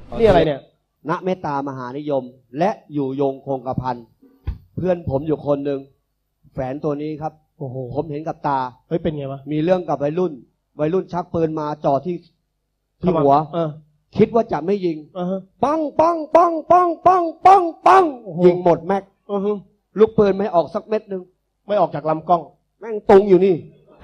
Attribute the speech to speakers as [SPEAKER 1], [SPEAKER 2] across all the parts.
[SPEAKER 1] นี่อะไรเนี่ย
[SPEAKER 2] ณเมตตามหานิยมและอยู่ยงคงกระพันเพื่อนผมอยู่คนหนึ่งแฝนตัวนี้ครับโอ้โหผมเห็นกับตา
[SPEAKER 1] เฮ้ยเป็นไงวะ
[SPEAKER 2] มีเรื่องกับวัยรุ่นชักปืนมาจ่อที่หัวคิดว่าจะไม่ยิงปังปังปังปังปังปังปังยิงหมดแม็กลูกปืนไม่ออกสักเม็ดนึง
[SPEAKER 1] ไม่ออกจากลำกล้อง
[SPEAKER 2] แม่งตรงอยู่นี่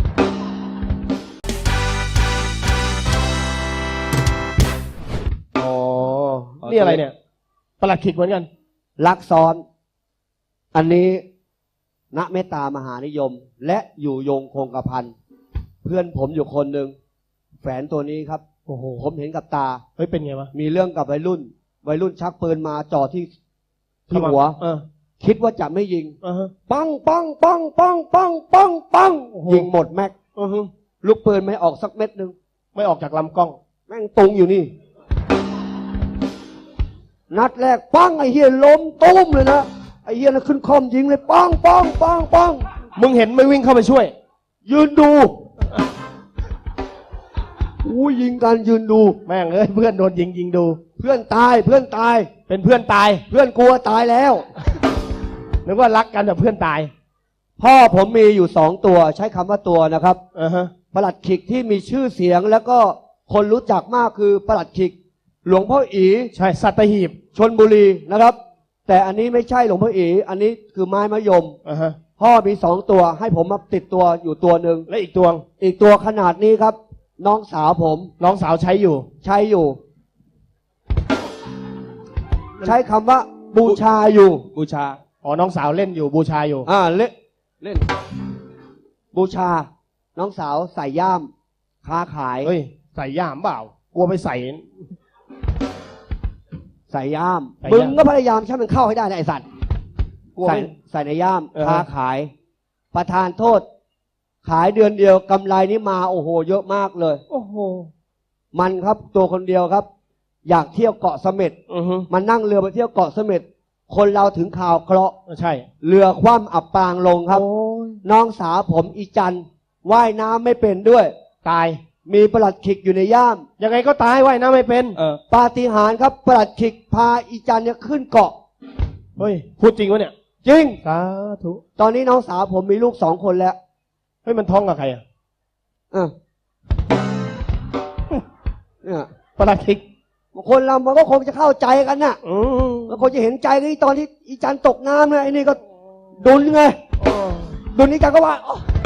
[SPEAKER 1] อ๋อนี่อะไรเนี่ยประหลัดขิกเหมือนกัน
[SPEAKER 2] ลักซ้อนอันนี้ณเมตตามหานิยมและอยู่ยงคงกระพันเพื่อนผมอยู่คนหนึ่งแฝนตัวนี้ครับโอ้โหผมเห็นกับตา
[SPEAKER 1] เฮ้ยเป็นไงวะ
[SPEAKER 2] มีเรื่องกับวัยรุ่นชักปืนมาจ่อที่หัวคิดว่าจะไม่ยิงปังปังปังปังปังปังปังยิงหมดแม็กลูกปืนไม่ออกสักเม็ดนึง
[SPEAKER 1] ไม่ออกจากลำกล้อง
[SPEAKER 2] แม่งตรงอยู่นี่นัดแรกปังไอ้เหี้ยล้มตุ้มเลยนะไอ้เหี้ยน่ะขึ้นคอมยิงเลยปังปังปังปัง
[SPEAKER 1] มึงเห็นไม่วิ่งเข้าไปช่วย
[SPEAKER 2] ยืนดูยิงกันยืนดู
[SPEAKER 1] แม่งเอ้ยเพื่อนโดนยิงดู
[SPEAKER 2] เพื่อนตาย
[SPEAKER 1] เป็นเพื่อนตาย
[SPEAKER 2] เพื่อนกลัวตายแล้ว
[SPEAKER 1] นึกว่ารักกันแต่เพื่อนตาย
[SPEAKER 2] พ่อผมมีอยู่2ตัวใช้คำว่าตัวนะครับประหลัดขิกที่มีชื่อเสียงแล้วก็คนรู้จักมากคือประหลัดขิกหลวงพ่ออี
[SPEAKER 1] ใช่สัตหีบ
[SPEAKER 2] ชลบุรีนะครับแต่อันนี้ไม่ใช่หลวงพ่ออีอันนี้คือไม้มะยมพ่อมี2ตัวให้ผมมาติดตัวอยู่ตัวหนึ่ง
[SPEAKER 1] และอีกตัว
[SPEAKER 2] ขนาดนี้ครับน้องสาวผม
[SPEAKER 1] น้องสาวใช้อยู่
[SPEAKER 2] ใช้คำว่าบูชาอยู่
[SPEAKER 1] บูชาอ๋อน้องสาวเล่นอยู่บูชาอยู่
[SPEAKER 2] เล่นบูชาน้องสาวใส่ย่ามค้าขาย
[SPEAKER 1] เฮ้ยใส่ย่ามเปล่ากลัวไปใส่
[SPEAKER 2] ย่ามมึงก็พยายามใช้มันเข้าให้ได้นะไอ้สัตว์ใส่ในย่ามค้าขายประทานโทษขายเดือนเดียวกำไรนี้มาโอ้โหเยอะมากเลย
[SPEAKER 1] โอ้โห
[SPEAKER 2] มันครับตัวคนเดียวครับอยากเที่ยวเกาะเสม็ดมันนั่งเรือไปเที่ยวเกาะเสม็ดคนเราถึงข่าวเคราะห์
[SPEAKER 1] ใช่
[SPEAKER 2] เรือคว่ำอับปางลงครับน้องสาวผมอีจันว่ายน้ำไม่เป็นด้วย
[SPEAKER 1] ตาย
[SPEAKER 2] มีประหลัดขิกอยู่ในย่าม
[SPEAKER 1] ยังไงก็ตายว่ายน้ำไม่เป็น
[SPEAKER 2] ปาฏิหาริย์ครับประหลัดขิกพาอีจันเนี่ยขึ้นเกาะ
[SPEAKER 1] เฮ้ยพูดจริงวะเนี่ย
[SPEAKER 2] จริง
[SPEAKER 1] สาธุ
[SPEAKER 2] ตอนนี้น้องสาวผมมีลูก2 คนแล้ว
[SPEAKER 1] เฮ้ยมันท้องกับใครอ่ะ
[SPEAKER 2] เนี่ย
[SPEAKER 1] ประหลัดขิก
[SPEAKER 2] คนเรามันก็คงจะเข้าใจกันน่ะมันคงจะเห็นใจกันตอนที่อีจันตกน้ำเนี่ยไอ้นี่ก็ดุนไงดุนอีจันก็ว่า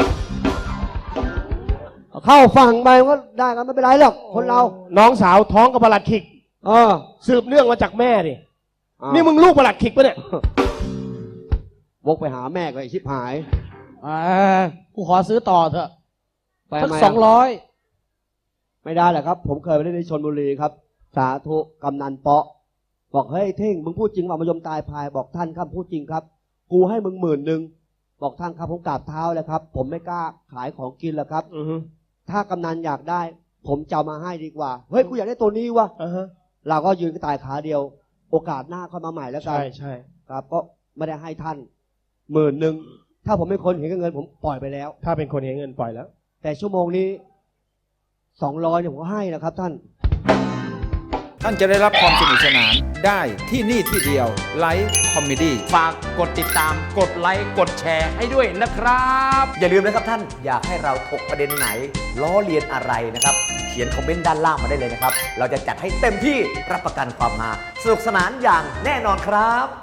[SPEAKER 2] เข้าฝั่งไปก็ได้กันไม่เป็นไรหรอกคนเรา
[SPEAKER 1] น้องสาวท้องกับประหลัดขิกสืบเนื่องมาจากแม่ดินี่มึงลูกประหลัดขิกปะเนี่ยว
[SPEAKER 2] กไปหาแม่ก็ไอ้ชิบหาย
[SPEAKER 1] กูขอซื้อต่อเถอะ
[SPEAKER 2] สัก200ไม่ได้แหละครับผมเคยไปเล่นที่ชลบุรีครับสาธุกำนันเปาะบอกเฮ้ยเท่งมึงพูดจริงว่ามายมตายพายบอกท่านครับพูดจริงครับกูให้มึง10,000บอกท่านครับผมกราบเท้าเลยครับผมไม่กล้าขายของกินแล้วครับถ้ากำนันอยากได้ผมจะมาให้ดีกว่าเฮ้ยกูอยากได้ตัวนี้วะเราก็ยืนกระต่ายขาเดียวโอกาสหน้าค่อยมาใหม่แล้วกัน
[SPEAKER 1] ใช่
[SPEAKER 2] ครับก็ไม่ได้ให้ท่าน10,000ถ้าผมเป็นคนเห็นเงินผมปล่อยไปแล้ว
[SPEAKER 1] ถ้าเป็นคนเห็นเงินปล่อยแล้ว
[SPEAKER 2] แต่ชั่วโมงนี้200เนี่ยผมก็ให้นะครับท่าน
[SPEAKER 3] จะได้รับความสนุกสนานได้ที่นี่ที่เดียวไลฟ์คอมเมดี้
[SPEAKER 4] ฝากกดติดตามกดไลค์กดแชร์ให้ด้วยนะครับอย่าลืมนะครับท่านอยากให้เราถกประเด็นไหนล้อเลียนอะไรนะครับเขียนคอมเมนต์ด้านล่างมาได้เลยนะครับเราจะจัดให้เต็มที่รับประกันความฮาสนุกสนานอย่างแน่นอนครับ